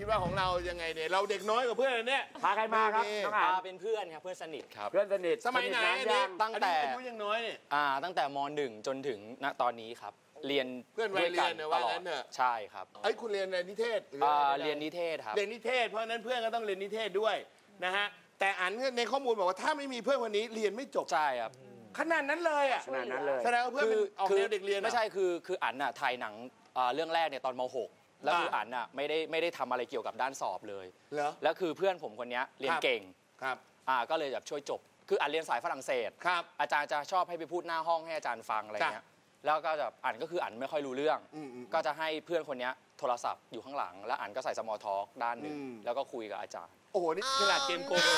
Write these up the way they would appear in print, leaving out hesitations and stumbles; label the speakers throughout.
Speaker 1: คิดว่าของเรายังไงเนี่ยเราเด็กน้อยกว่าเพื่อนเนี่ย
Speaker 2: พาใครมาครับน้องอ่าน
Speaker 3: เป็นเพื่อนครับเพื่อนสนิทครับ
Speaker 2: เพื่อนสนิท
Speaker 1: สมัยไหน
Speaker 3: ตั้งแต่
Speaker 1: อายุยังน้อยเนี่ย
Speaker 3: ตั้งแต่ม.1 จนถึงณตอนนี้ครับเรียน
Speaker 1: เพื่อนวัยเรียนเนี่ยว่างั้นเนอะ
Speaker 3: ใช่ครับ
Speaker 1: คุณเรียนนิเทศ
Speaker 3: เรียนนิเทศครับ
Speaker 1: เรียนนิเทศเพราะนั้นเพื่อนก็ต้องเรียนนิเทศด้วยนะฮะแต่อันในข้อมูลบอกว่าถ้าไม่มีเพื่อนคนนี้เรียนไม่จบ
Speaker 3: ใช่ครับ
Speaker 1: ขนาดนั้นเลยอ่ะ
Speaker 2: ขนาดนั้นเลย
Speaker 1: แสดงว่าเพื่อนออกแนวเด็กเรียน
Speaker 3: ไม่ใช่คืออันน่ะถ่ายหนังเรื่องแรกเนี่ยตอนม.6 แล้วคืออันน่ะไม่ได้ทำอะไรเกี่ยวกับด้านสอบเลยแล้วคือเพื่อนผมคนนี้เรียนเก่ง
Speaker 1: ครับ
Speaker 3: ก็เลยแบบช่วยจบคืออันเรียนสายฝรั่งเศส
Speaker 1: ครับ
Speaker 3: อาจารย์จะชอบให้ไปพูดหน้าห้องให้อาจารย์ฟังอะไรเงี้ยแล้วก็จะอันก็คืออันไม่ค่อยรู้เรื่องก็จะให้เพื่อนคนนี้โทรศัพท์อยู่ข้างหลังแล้วอันก็ใส่สมอลท็อกด้านหนึ่งแล้วก็คุยกับอาจารย์
Speaker 1: โอ้โหนี่ขนาดเกมโกง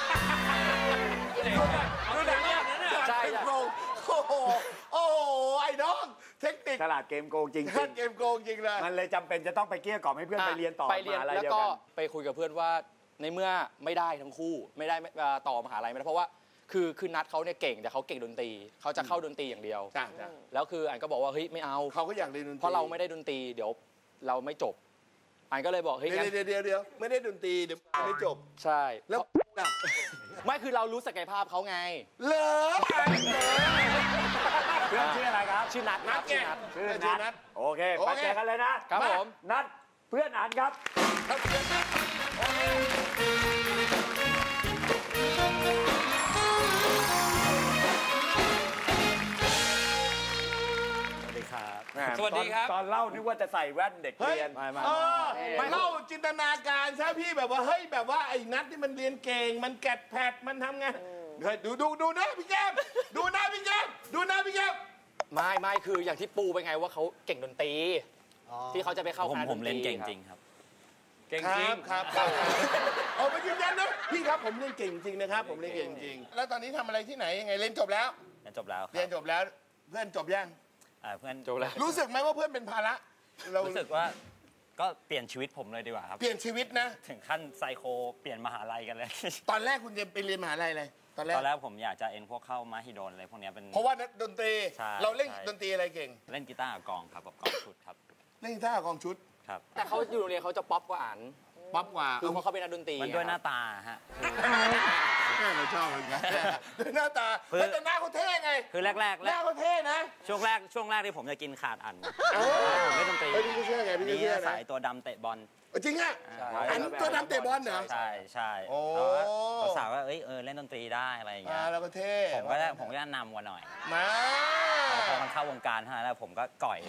Speaker 1: ใช่โกงโอ้โหไอ้น้องเทคนิค
Speaker 2: ฉลาดเกมโกงจริง
Speaker 1: เกมโกงจริงเลย
Speaker 2: มันเลยจำเป็นจะต้องไปเกลี้ยกล่อมให้เพื่อนไปเรียนต่อมาอะไรเดียวกัน
Speaker 3: แล้วก็ไปคุยกับเพื่อนว่าในเมื่อไม่ได้ทั้งคู่ไม่ได้ต่อมหาลัยไม่ได้เพราะว่าคือนัดเขาเนี่ยเก่งแต่เขาเก่งดนตรีเขาจะเข้าดนตรีอย่างเดียวแล้วคืออันก็บอกว่าเฮ้ยไม่เอา
Speaker 1: เขาก็อยากเรียนดนตรี
Speaker 3: เพราะเราไม่ได้ดนตรีเดี๋ยวเราไม่จบอันก็เลยบอกเฮ้ย
Speaker 1: เดี๋ยวไม่ได้ดนตรีเดี๋ยวไม่จบ
Speaker 3: ใช่
Speaker 1: แล้ว
Speaker 3: ไม่คือเรารู้ศักยภาพเขาไง
Speaker 1: เหรอ
Speaker 2: เพื่อนชื่ออะไรครับ
Speaker 3: ชื่อนัท
Speaker 2: ชื่อนัทโอเคมาเจอกันเลยนะครับ
Speaker 3: ผม
Speaker 2: นัทเพื่อนอันครับ
Speaker 3: สวัสดีครับ
Speaker 2: ตอนเล่านึกว่าจะใส่แว่นเด็กเรียน
Speaker 1: ไม่เล่าจินตนาการใช่พี่แบบว่าเฮ้ยแบบว่าไอ้นัทที่มันเรียนเก่งมันแกดแพดมันทำไงดูนะพี่แก้มดูนะพี่แก้ม
Speaker 3: ไม่คืออย่างที่ปูไปไงว่าเขาเก่งดนตรีที่เขาจะไปเข้าคณะ
Speaker 4: ผมเล่นเก่งจริงครับ
Speaker 1: เก่งจริงครับเอาไปยืนยันนะพี่ครับผมเรียนเก่งจริงนะครับผมเรียนเก่งจริงแล้วตอนนี้ทำอะไรที่ไหนยังไงเรียนจบแล้ว
Speaker 4: เรียนจบแล้ว
Speaker 1: เพื่อนจบยัง
Speaker 4: เพื่อน
Speaker 3: จบแล้ว
Speaker 1: รู้สึกไหมว่าเพื่อนเป็นภาระ
Speaker 4: รู้สึกว่าก็เปลี่ยนชีวิตผมเลยดีกว่าครับ
Speaker 1: เปลี่ยนชีวิตนะ
Speaker 4: ถึงขั้นไซโคเปลี่ยนมหาลัยกันเลย
Speaker 1: ตอนแรกคุณจะไปเรียนมหาลัยอะไรตอนแรก
Speaker 4: ผมอยากจะพวกเข้ามหิดลอะไรพวกนี้เป็น
Speaker 1: เพราะว่าดนตรีเราเล่นดนตรีอะไรเก่ง
Speaker 4: เล่นกีตาร์กับกลองครับกับกลองชุดครับ
Speaker 1: เล่นกีตาร์กับกลองชุด
Speaker 4: ครับ
Speaker 3: แต่เขาอยู่โรงเรียนเขาจะป๊อปกว่าอัน
Speaker 1: ป๊อปกว่า
Speaker 3: คือเพราะเขาเป็นนักดนตรี
Speaker 4: มันด้วยหน้าตาฮะ
Speaker 1: เราชอบเหมือนกันด้วยหน้าตาแต่หน้าเขาเท่ไง
Speaker 4: คือแรกห
Speaker 1: น้าเขาเท่นะ
Speaker 4: ช่วงแรกที่ผมจะกินขาดอันผมเล่นดนตรี
Speaker 1: พี่เชื่อไงพี่เชื่อนะ
Speaker 4: สายตัวดำเตะบอล
Speaker 1: จริงอ่ะอันตัวดำเตะบอลเหรอ
Speaker 4: ใช่สาวว่าเล่นดนตรีได้อะไรอย่างเงี้ย
Speaker 1: แล้วก็เท่
Speaker 4: ผมก็นำกว่าหน่อย
Speaker 1: มา
Speaker 4: พอมันเข้าวงการเท่านั้นแล้วผมก็ก่อย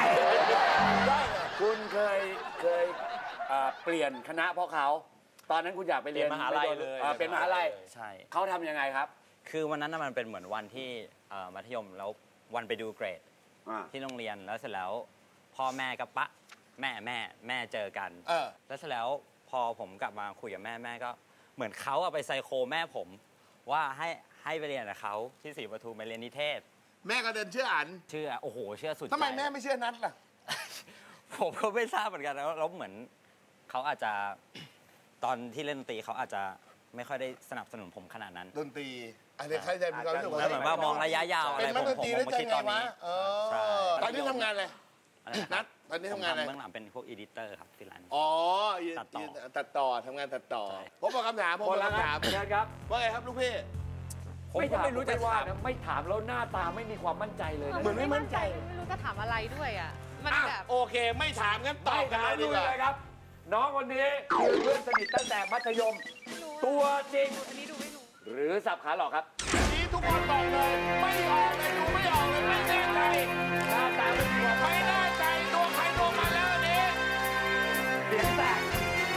Speaker 2: คุณเคยเปลี่ยนคณะเพราะเขาตอนนั้นคุณอยากไปเรียน
Speaker 3: มหาลัยเลย
Speaker 2: เป็นมหาลัย
Speaker 4: ใช่
Speaker 2: เขาทำยังไงครับ
Speaker 4: คือวันนั้นมันเป็นเหมือนวันที่มัธยมแล้ววันไปดูเกรดที่โรงเรียนแล้วเสร็จแล้วพ่อแม่กับแม่เจอกันแล้วเสร็จแล้วพอผมกลับมาคุยกับแม่ก็เหมือนเขาไปไซโคแม่ผมว่าให้ไปเรียนกับเขาที่ศรีปทุมไปเรียนนิเทศ
Speaker 1: แม่ก็เดินเชื่ออัน
Speaker 4: เชื่อโอ้โหเชื่อสุด
Speaker 1: ทำไมแม่ไม่เชื่อนัทล่ะ
Speaker 4: ผมก็ไม่ทราบเหมือนกันแล้วเหมือนเขาอาจจะตอนที่เล่นดนตรีเขาอาจจะไม่ค่อยได้สนับสนุนผมขนาดนั้น
Speaker 1: ดนตรีอะไรใครจะมีความรู้สึก
Speaker 4: ว่าเหมือนว่ามองระยะยาวอะไรผมคิดตอนนี้
Speaker 1: ตอนนี้ทำงานอะไรนัทตอนนี้ทำงานอะไร
Speaker 4: เบื้องหลังเป็นพวกอีดิเตอร์ครับฟรีแลนซ์
Speaker 1: ตัดต่อทำงานตัดต่อผมบอกคำถามครับว่าไงครับลูกพี่
Speaker 2: ผมไม่รู้จะว่าไม่ถามแล้วหน้าตาไม่มีความมั่นใจเลย
Speaker 5: เหมือนไม่มั่นใจไม่รู้จะถามอะไรด้วยอ่ะมันแบบ
Speaker 1: โอเคไม่ถามงั้นตอบกันเลยดีกว่า
Speaker 2: ครับน้องคนนี้คือเพื่อนสนิทตั้งแต่มัธยมตัวจริง
Speaker 5: อันนี้ดูไม่รู้
Speaker 2: หรือสับขาหลอกครับ
Speaker 1: อันนี้ทุกคนบอกเลยไม่ออกเลยดูไม่ออกเลยไม่แน่ใจ
Speaker 2: หน้าตา
Speaker 1: ไม่แน่ใจตัวใครตัวมันแล้วอันนี้
Speaker 2: เสียงแตก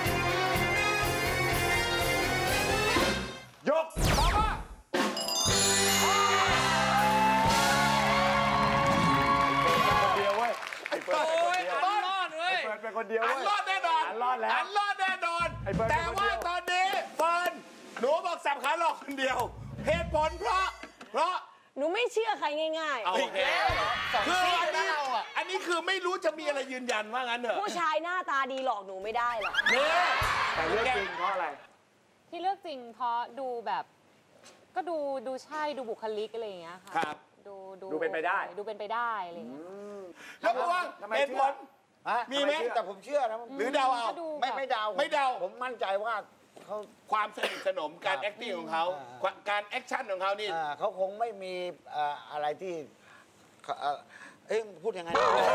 Speaker 2: ยก
Speaker 1: บอกว่า
Speaker 2: เป็นคนเดียว
Speaker 1: อันรอดแน่นอน
Speaker 2: รอดแล้ว
Speaker 1: อันรอดแน่นอนแต่ว่าตอนนี้เฟิร์นหนูบอกสับขาหลอกคนเดียวเหตุผลเพราะ
Speaker 5: หนูไม่เชื่อใครง่าย
Speaker 1: ๆโอเคคืออันนี้คือไม่รู้จะมีอะไรยืนยันว่างั้นเถอะ
Speaker 5: ผู้ชายหน้าตาดีหลอกหนูไม่ได้หรอก
Speaker 1: นี่
Speaker 2: แต่เลือกจริงเพราะอะไร
Speaker 6: ที่เลือกจริงเพราะดูแบบก็ดูใช่ดูบุคลิกอะไรอย่างเงี้ยค่ะ
Speaker 1: ครับ
Speaker 2: ดูเป็นไปได้
Speaker 6: ดูเป็นไปได้อะไรอย่างเงี้ย
Speaker 1: แล้วเพราะว่าเหตุผลมีไหม
Speaker 7: แต่ผมเชื่อนะ
Speaker 1: หรือเดาเอา
Speaker 7: ไม่เดา
Speaker 1: ไม่เดา
Speaker 7: ผมมั่นใจว่าเขา
Speaker 1: ความสนิทสนมการ acting ของเขาการแอคชั่นของเขานี่
Speaker 7: เขาคงไม่มีอะไรที่พูดยังไง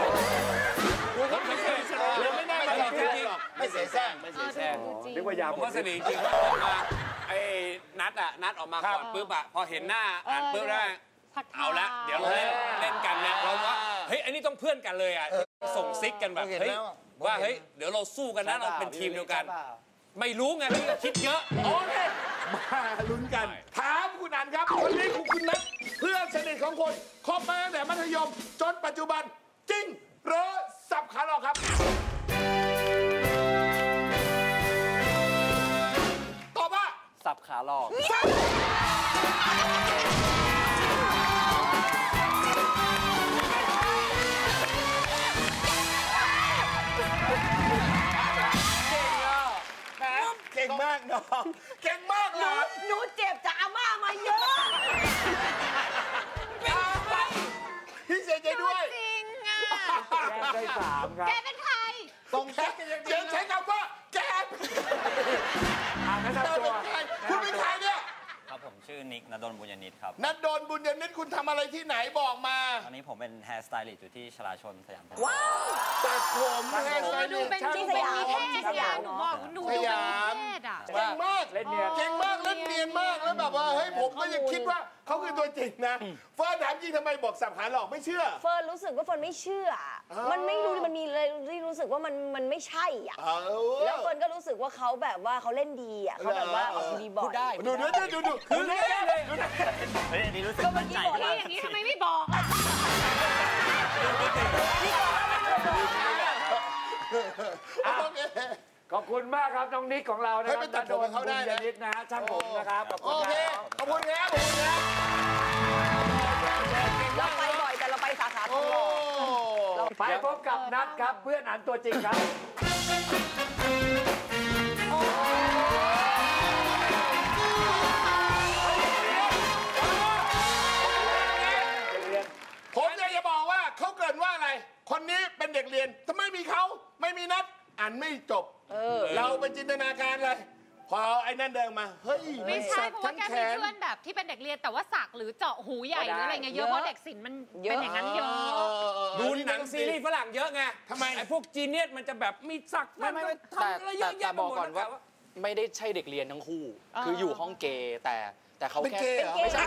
Speaker 1: ไม่ได้มาจริง
Speaker 7: ไม่เสียแซง
Speaker 1: ไม่เสียแซง
Speaker 2: นึกว่ายา
Speaker 8: ผมว่าสนิทจริงๆไอ้นัดออกมาก่อนปุ๊บอะพอเห็นหน้าอ่านปุ๊บได้เอาละเดี๋ยวเราเล่นกันนะเราว่าเฮ้ยอันนี้ต้องเพื่อนกันเลยอะส่งซิกกันแบบเฮ้ยว่าเฮ้ยเดี๋ยวเราสู้กันนะเราเป็นทีมเดียวกัน ไม่รู้ไงพี่ก็คิดเยอะ
Speaker 1: โอเคมาลุ้นกัน ถามคุณอันครับคนนี้คุณนัทเพื่อนสนิทของคนคบมาตั้งแต่มัธยมจนปัจจุบันจริงหรือสับขาหลอกครับตอบว่า
Speaker 3: สับขาหลอก
Speaker 1: เก่งมากน้องเก่งมากเลย
Speaker 5: หนูเจ็บจากอาม่ามาเยอะ
Speaker 1: พี่เสียใจด้วย
Speaker 5: จริงอ่ะ
Speaker 2: ได้3ครับ
Speaker 5: แกเป็นใคร
Speaker 1: ส่งแค่ใช้คำว่าแก
Speaker 2: แนะนำตัว
Speaker 1: คุณเป็นใครเนี่ย
Speaker 4: ครับผมชื่อนิกณดลบุญญนิตครับ
Speaker 1: นัดโดนบุญยนิตคุณทำอะไรที่ไหนบอกมา
Speaker 4: ตอนนี้ผมเป็นแฮร์สไตลิสต์อยู่ที่ชลาชนสยาม
Speaker 5: ว้าว
Speaker 1: ตัดผมแฮร์สไต
Speaker 6: ดู
Speaker 1: ลิสต์
Speaker 6: เป็น
Speaker 5: ที่
Speaker 6: ดู
Speaker 5: ส
Speaker 6: เป็น
Speaker 5: ยาม
Speaker 6: นิเทศ
Speaker 5: สยาม
Speaker 6: หนูบอกหนูดู
Speaker 1: ส
Speaker 6: เป็น
Speaker 1: ยาม
Speaker 6: นิเทศอ่ะ
Speaker 1: เก่งมาก
Speaker 2: เล่นเนียน
Speaker 1: เก่งมากเล่นเนียนมากแล้วแบบว่าเฮ้ยผมก็ยังคิดว่าเขาคือตัวจริงนะเฟิร์นถามจริงทำไมบอกสับขาหลอกไม่เชื่อ
Speaker 5: เฟิร์นรู้สึกว่าเฟิร์นไม่เชื่อ มันไม่รู้มันมีเลยที่รู้สึกว่ามันไม่ใช่อ่ะ แล้วเฟิร์นก็รู้สึกว่าเขาแบบว่าเขาเล่นดีอ่ะเขาแบบว่าออกทีวีบ่อย
Speaker 3: พูดได้
Speaker 1: ดูคือเล่นเลย
Speaker 4: เฮ้ยอันนี้รู้สึก
Speaker 5: ก็เมื่
Speaker 4: มั่
Speaker 5: อน
Speaker 4: ใจ
Speaker 5: กี้บอก
Speaker 4: มา
Speaker 5: ว่าก อย่างนี้ทำไมไม่บอกอ่ะ
Speaker 1: โอเค
Speaker 2: ขอบคุณมากครับน้องนิกของเรานะครั
Speaker 1: เฮ้ยไปตัดผมกับเขาได้นะ
Speaker 2: ณนิตนะฮะช่างผมนะครับขอบ
Speaker 1: โอ
Speaker 2: คุณ
Speaker 1: เค
Speaker 2: ครับ
Speaker 1: ขอบคุณครับขอบคุณครับ
Speaker 5: เราไปบ่อยแต่เราไปสาขาท
Speaker 1: โอ้
Speaker 5: องหล่อ
Speaker 2: ไปพบกับนัทครับเพื่อนอันตัวจริงครับ
Speaker 1: ผมอยากจะบอกว่าเขาเกรินว่าอะไร คนนี้เป็นเด็กเรียนทำไมมีเขาไม่มีนัดอ่านไม่จบเราไปจินตนาการเลย พอไอ้นั่นเดินมา เฮ้ย
Speaker 6: ไม่ใช่
Speaker 1: สัก
Speaker 6: เพราะ
Speaker 1: ทั้
Speaker 6: ว่าง แก
Speaker 1: แข
Speaker 6: มี
Speaker 1: น
Speaker 6: เพื่อนแบบที่เป็นเด็กเรียนแต่ว่าสักหรือเจาะหูใหญ่หรืออะไรเงี้ยเยอะเพราะเด็กศิลป์มันเป็นอย่างนั้นเยอะ
Speaker 8: ดูหนังซีรีส์ฝรั่งเยอะไง
Speaker 1: ทำไม
Speaker 8: ไอ้พวกจีเนียสมันจะแบบมีสัก
Speaker 3: ไม่แต่
Speaker 8: ทำอะไรเยอะ
Speaker 3: แต่
Speaker 8: แยะไป
Speaker 3: บอก
Speaker 8: หมด
Speaker 3: ก่อนว่า
Speaker 8: แล้ว
Speaker 3: ไม่ได้ใช่เด็กเรียนทั้งคู่ คืออยู่ห้องเกย์แต่เขา
Speaker 1: เป็น
Speaker 3: แค่
Speaker 1: เกย์เหรอ
Speaker 3: ไม่ใช่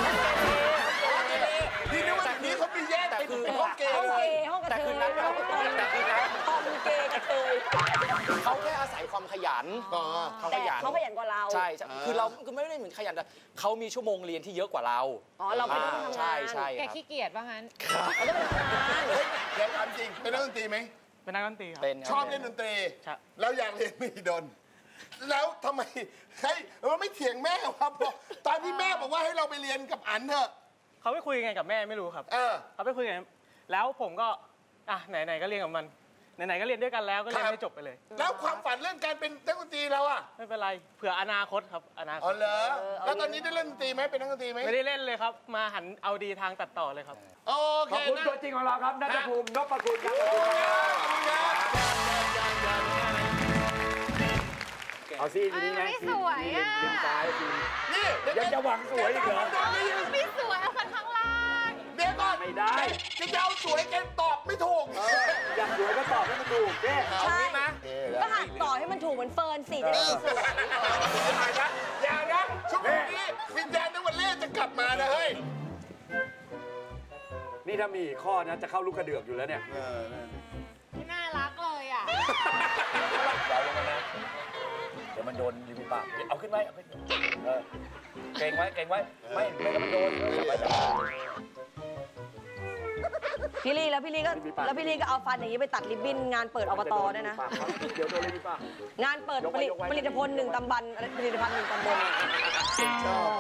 Speaker 1: นี่นึกว่านี้เขามีแยกเป็นห้องเกย์
Speaker 5: ห้อง
Speaker 1: เล
Speaker 5: เก
Speaker 1: ย
Speaker 5: ย์ห้องกระ
Speaker 3: แต่
Speaker 5: เท
Speaker 3: คือย นัดเขาแต่คือนัด
Speaker 5: ห้องเกย์กระเทย
Speaker 3: เขาแค่อาศัยความขยัน
Speaker 1: อ๋อ
Speaker 3: เขาข
Speaker 5: แต่
Speaker 3: ยัน
Speaker 5: เขาขยันกว่าเรา
Speaker 3: ใช่คือเราคือไม่ได้เหมือนขยันแต่เขามีชั่วโมงเรียนที่เยอะกว่าเรา
Speaker 5: อ๋อเราเป็นคนทำงาน
Speaker 3: ใช่ใช่
Speaker 6: แก
Speaker 3: ครับ
Speaker 6: ขี้เกียจว่างั้น
Speaker 5: เราต้องไปทำงาน
Speaker 1: เฮ้ยเดี๋ยวถามจริง เป็นนักดนตรีไหม
Speaker 9: เป็นนักดนตรีครับ
Speaker 3: เป็นค
Speaker 1: ช
Speaker 3: รั
Speaker 1: อบเล่นดนตรี
Speaker 9: ครับ
Speaker 1: แล้วอยากเรียนมหิดลแล้วทำไมเฮ้ยเราไม่เถียงแม่ครับตอนที่แม่บอกว่าให้เราไปเรียนกับอันเถอะ
Speaker 9: เขาไปคุยกันกับแม่ไม่รู้ครับ
Speaker 1: เออ
Speaker 9: เขาไปคุยกันแล้วผมก็ไหนๆก็เรียนกับมันไหนๆก็เรียนด้วยกันแล้วก็เรียน
Speaker 1: ครับ
Speaker 9: ให้จบไปเลย
Speaker 1: แล้วความฝันเรื่องการเป็นนักดนตรีเราอะ
Speaker 9: ไม่เป็นไรเผื่ออนาคตครับอนาค
Speaker 1: อ๋อ
Speaker 9: ต
Speaker 1: เหรอแล้วตอนนี้ได้เล่นดนตรีไหมเป็นนักดนตรีไหม
Speaker 9: ไม่ได้เล่นเลยครับ มาหันเอาดีทางตัดต่อเลยครับ
Speaker 1: โอ
Speaker 2: ข
Speaker 1: เค
Speaker 2: อบคุณ
Speaker 1: นะ
Speaker 2: ตัวจริงของเราครับนัทภูมินพคุณครับ
Speaker 1: ขอบคุณครับ
Speaker 2: เอาซี่ทีนี้นะ
Speaker 6: ไม่สวยอะ
Speaker 2: ทีมซ้ายทีม
Speaker 1: นี่
Speaker 2: ยังจะหวังสวยอีกเหรอ
Speaker 6: ไม่สวยเอาคนข้างล่าง
Speaker 1: เดี๋ยวก่อน
Speaker 2: ไม่ได้
Speaker 1: จะเอาสวยแกตอบไม่ถูก
Speaker 2: อยากสวยก็ตอบให้มันถูกแน่
Speaker 5: ใช่ก็หัดต่อให้มันถูกเหมือนเฟิร์นสิจะได้สวย
Speaker 1: อย่านะช่วงนี้วิญญาณนวันเล่จะกลับมานะเฮ้ย
Speaker 2: นี่ถ้ามีอีกข้อนะจะเข้าลูกกระเดือกอยู่แล้วเนี่ย
Speaker 6: น่ารักเลยอ่ะ
Speaker 2: เดี๋ยวมันโดนริมฝีปากเอาขึ้นไว้เอาขึ้นเก่งไว้เก่งไว้ไม่ต้องมันโดนจับไว้จับไว้
Speaker 5: พี่ลี่พี่ลี่ก็เอาฟันอย่างนี้ไปตัดริบบิ้นงานเปิดอบตด้วยนะ
Speaker 2: เดี๋ยวโดนริมฝีปาก
Speaker 5: งานเปิดผลิตภัณฑ์1 ตำบลผลิตภัณฑ์1 ตำบล
Speaker 1: ชอบ